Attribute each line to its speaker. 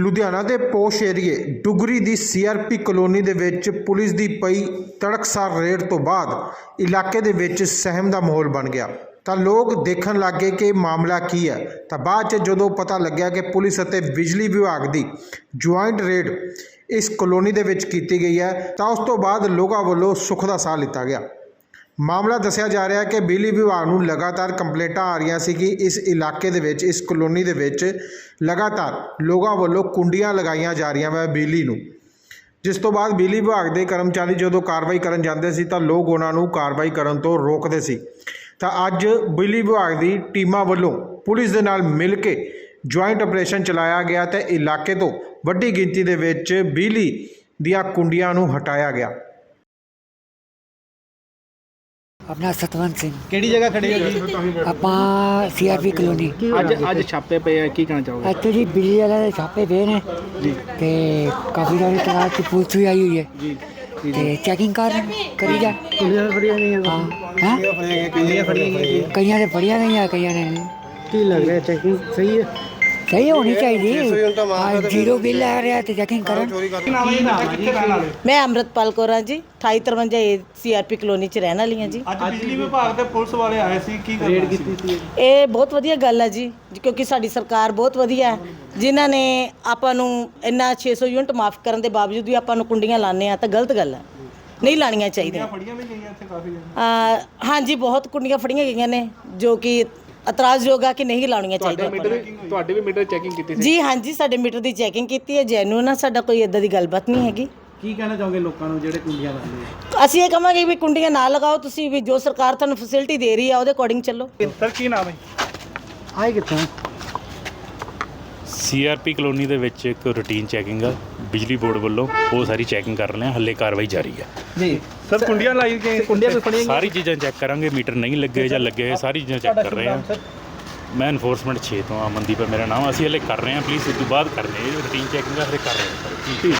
Speaker 1: ਲੁਧਿਆਣਾ ਦੇ ਪੋਸ਼ ਏਰੀਏ ਡੁਗਰੀ ਦੀ CRP colony ਦੇ ਵਿੱਚ ਪੁਲਿਸ ਦੀ ਪਈ ਤੜਕਸਾਰ ਰੇਡ ਤੋਂ ਬਾਅਦ ਇਲਾਕੇ ਦੇ ਵਿੱਚ ਸਹਿਮ ਦਾ ਮਾਹੌਲ ਬਣ ਗਿਆ। ਤਾਂ ਲੋਕ ਦੇਖਣ ਲੱਗੇ ਕਿ ਮਾਮਲਾ ਕੀ ਹੈ। ਤਾਂ ਬਾਅਦ 'ਚ ਜਦੋਂ ਪਤਾ ਲੱਗਿਆ ਕਿ ਪੁਲਿਸ ਅਤੇ ਬਿਜਲੀ ਵਿਭਾਗ ਦੀ ਜੁਆਇੰਟ ਰੇਡ ਇਸ ਕਲੋਨੀ ਦੇ ਵਿੱਚ ਕੀਤੀ ਗਈ ਹੈ, ਤਾਂ ਉਸ ਤੋਂ ਬਾਅਦ ਲੋਕਾਂ ਵੱਲੋਂ ਸੁੱਖ ਦਾ ਸਾਹ ਲਿੱਤਾ ਗਿਆ। ਮਾਮਲਾ ਦੱਸਿਆ ਜਾ ਰਿਹਾ ਹੈ ਕਿ ਬਿਜਲੀ ਵਿਭਾਗ ਨੂੰ ਲਗਾਤਾਰ ਕੰਪਲੇਂਟਾਂ ਆ ਰਹੀਆਂ ਸੀ ਕਿ ਇਸ ਇਲਾਕੇ ਦੇ ਵਿੱਚ, ਇਸ ਕਲੋਨੀ ਦੇ ਵਿੱਚ ਲਗਾਤਾਰ ਲੋਕਾਂ ਵੱਲੋਂ ਕੁੰਡੀਆਂ ਲਗਾਈਆਂ ਜਾ ਰਹੀਆਂ ਵਾ ਬਿਜਲੀ ਨੂੰ, ਜਿਸ ਤੋਂ ਬਾਅਦ ਬਿਜਲੀ ਵਿਭਾਗ ਦੇ ਕਰਮਚਾਰੀ ਜਦੋਂ ਕਾਰਵਾਈ ਕਰਨ ਜਾਂਦੇ ਸੀ ਤਾਂ ਲੋਕ ਉਹਨਾਂ ਨੂੰ ਕਾਰਵਾਈ ਕਰਨ ਤੋਂ ਰੋਕਦੇ ਸੀ। ਤਾਂ ਅੱਜ ਬਿਜਲੀ ਵਿਭਾਗ ਦੀ ਟੀਮਾਂ ਵੱਲੋਂ ਪੁਲਿਸ ਦੇ ਨਾਲ ਮਿਲ ਕੇ ਜੁਆਇੰਟ ਆਪਰੇਸ਼ਨ ਚਲਾਇਆ ਗਿਆ ਤੇ ਇਲਾਕੇ ਤੋਂ ਵੱਡੀ ਗਿਣਤੀ ਦੇ ਵਿੱਚ ਬਿਜਲੀ ਦੀਆਂ ਕੁੰਡੀਆਂ ਨੂੰ ਹਟਾਇਆ ਗਿਆ।
Speaker 2: अपना सतवंत सिंह
Speaker 3: ਕਿਹੜੀ ਜਗ੍ਹਾ ਖੜੇ ਹੋ ਜੀ?
Speaker 2: ਆਪਾਂ सीआरपी कॉलोनी
Speaker 3: ਅੱਜ ਛਾਪੇ ਪਏ ਆ, ਕੀ ਕਹਿਣਾ ਚਾਹੋਗੇ?
Speaker 2: ਇੱਥੇ ਜੀ ਬਿਜਲੀ ਵਾਲੇ ਦੇ ਛਾਪੇ ਪਏ ਨੇ
Speaker 3: ਜੀ
Speaker 2: ਤੇ ਕਾਫੀ ਸਾਰੀ ਤਲਾਸ਼ ਦੀ ਪੁਲਿਸ ਵੀ ਆਈ ਹੋਈ ਹੈ
Speaker 3: ਜੀ
Speaker 2: ਤੇ ਚੈਕਿੰਗ ਕਰੀ ਜਾ
Speaker 3: ਕੁੰਡੀਆਂ ਫੜੀਆਂ ਗਈਆਂ,
Speaker 2: ਹਾਂ ਹੈ
Speaker 3: ਕੁੰਡੀਆਂ ਫੜੀਆਂ ਗਈਆਂ,
Speaker 2: ਕਈਆਂ ਦੇ ਫੜੀਆਂ ਗਈਆਂ, ਕਈਆਂ ਨੇ ਨਹੀਂ।
Speaker 3: ਕੀ ਲੱਗ ਰਿਹਾ ਚੈਕਿੰਗ ਸਹੀ ਹੈ?
Speaker 2: ਸਹੀ ਹੋਣੀ ਚਾਹੀਦੀ। ਜ਼ੀਰੋ ਬਿੱਲ ਆ ਰਿਹਾ ਤੇ ਚੈਕਿੰਗ ਕਰਨ।
Speaker 4: मैं अमृतपाल कौर हाँ जी, 2853 सीआरपी ਕਲੋਨੀ ਚ ਰਹਿਣ ਵਾਲੀ ਹਾਂ ਜੀ।
Speaker 5: ਅੱਜ ਬਿਜਲੀ ਵਿਭਾਗ ਦੇ ਪੁਲਿਸ ਵਾਲੇ ਆਏ ਸੀ, ਕੀ ਰੇਡ ਕੀਤੀ ਸੀ?
Speaker 4: ਇਹ ਬਹੁਤ ਵਧੀਆ ਗੱਲ ਹੈ ਜੀ, ਕਿਉਂਕਿ ਸਾਡੀ ਸਰਕਾਰ ਬਹੁਤ ਵਧੀਆ ਹੈ, ਜਿਨ੍ਹਾਂ ਨੇ ਆਪਾਂ ਨੂੰ ਇੰਨਾ 600 ਯੂਨਿਟ ਮਾਫ ਕਰਨ ਦੇ ਬਾਵਜੂਦ ਵੀ ਆਪਾਂ ਨੂੰ ਕੁੰਡੀਆਂ ਲਾਉਂਦੇ ਆ ਤਾਂ ਗਲਤ ਗੱਲ ਹੈ, ਨਹੀਂ ਲਾਣੀਆਂ ਚਾਹੀਦੀਆਂ।
Speaker 5: ਫੜੀਆਂ ਵੀ ਗਈਆਂ ਇੱਥੇ ਕਾਫੀ
Speaker 4: ਹਾਂਜੀ, ਬਹੁਤ ਕੁੰਡੀਆਂ ਫੜੀਆਂ ਗਈਆਂ ਨੇ ਜੋ ਕਿ ਇਤਰਾਜ਼ਯੋਗ ਆ ਕਿ ਨਹੀਂ ਲਾਉਣੀਆਂ ਚਾਹੀਦੀਆਂ।
Speaker 3: ਤੁਹਾਡੇ ਵੀ ਮੀਟਰ ਚੈਕਿੰਗ ਕੀਤੀ ਸੀ?
Speaker 4: ਜੀ ਹਾਂਜੀ, ਸਾਡੇ ਮੀਟਰ ਦੀ ਚੈਕਿੰਗ ਕੀਤੀ ਹੈ, ਜੈਨੂਇਨ ਆ, ਸਾਡਾ ਕੋਈ ਇਦਾਂ ਦੀ ਗੱਲਬਾਤ ਨਹੀਂ ਹੈਗੀ।
Speaker 3: ਕੀ ਕਹਿਣਾ ਚਾਹੋਗੇ ਲੋਕਾਂ ਨੂੰ ਜਿਹੜੇ ਕੁੰਡੀਆਂ ਲਾਉਂਦੇ ਆ?
Speaker 4: ਅਸੀਂ ਇਹ ਕਹਾਂਗੇ ਵੀ ਕੁੰਡੀਆਂ ਨਾ ਲਗਾਓ, ਤੁਸੀਂ ਵੀ ਜੋ ਸਰਕਾਰ ਤੁਹਾਨੂੰ ਫੈਸਿਲਿਟੀ ਦੇ ਰਹੀ ਆ ਉਹਦੇ ਅਕੋਰਡਿੰਗ ਚੱਲੋ।
Speaker 5: ਸਰ ਕੀ ਨਾਮ ਹੈ?
Speaker 3: ਆਏ ਕਿੱਥੋਂ?
Speaker 6: ਸੀਆਰਪੀ ਕਲੋਨੀ ਦੇ ਵਿੱਚ ਇੱਕ ਰੂਟੀਨ ਚੈਕਿੰਗ ਆ ਬਿਜਲੀ ਬੋਰਡ ਵੱਲੋਂ, ਉਹ ਸਾਰੀ ਚੈਕਿੰਗ ਕਰ ਰਹੇ ਹਾਂ, ਹੱਲੇ ਕਾਰਵਾਈ ਜਾਰੀ ਹੈ
Speaker 3: ਜੀ
Speaker 5: ਸਰ ਕੁੰਡੀਆਂ ਲਾਈ ਗਏ,
Speaker 3: ਕੁੰਡੀਆਂ ਵੀ ਫੜੀਆਂ
Speaker 6: ਸਾਰੀ ਚੀਜ਼ਾਂ ਚੈੱਕ ਕਰਾਂਗੇ, ਮੀਟਰ ਨਹੀਂ ਲੱਗੇ ਜਾਂ ਲੱਗੇ ਹੋਏ ਸਾਰੀ ਚੀਜ਼ਾਂ ਚੈੱਕ ਕਰ ਰਹੇ ਹਾਂ। ਮੈਂ ਐਨਫੋਰਸਮੈਂਟ 6 ਤੋਂ ਅਮਨਦੀਪ ਮੇਰਾ ਨਾਮ, ਅਸੀਂ ਹਲੇ ਕਰ ਰਹੇ ਹਾਂ, ਪਲੀਜ਼ ਉਸ ਤੋਂ ਬਾਅਦ ਕਰ ਰਹੇ ਹਾਂ, ਰੂਟੀਨ ਚੈਕਿੰਗ ਹਲੇ ਕਰ ਰਹੇ ਹਾਂ।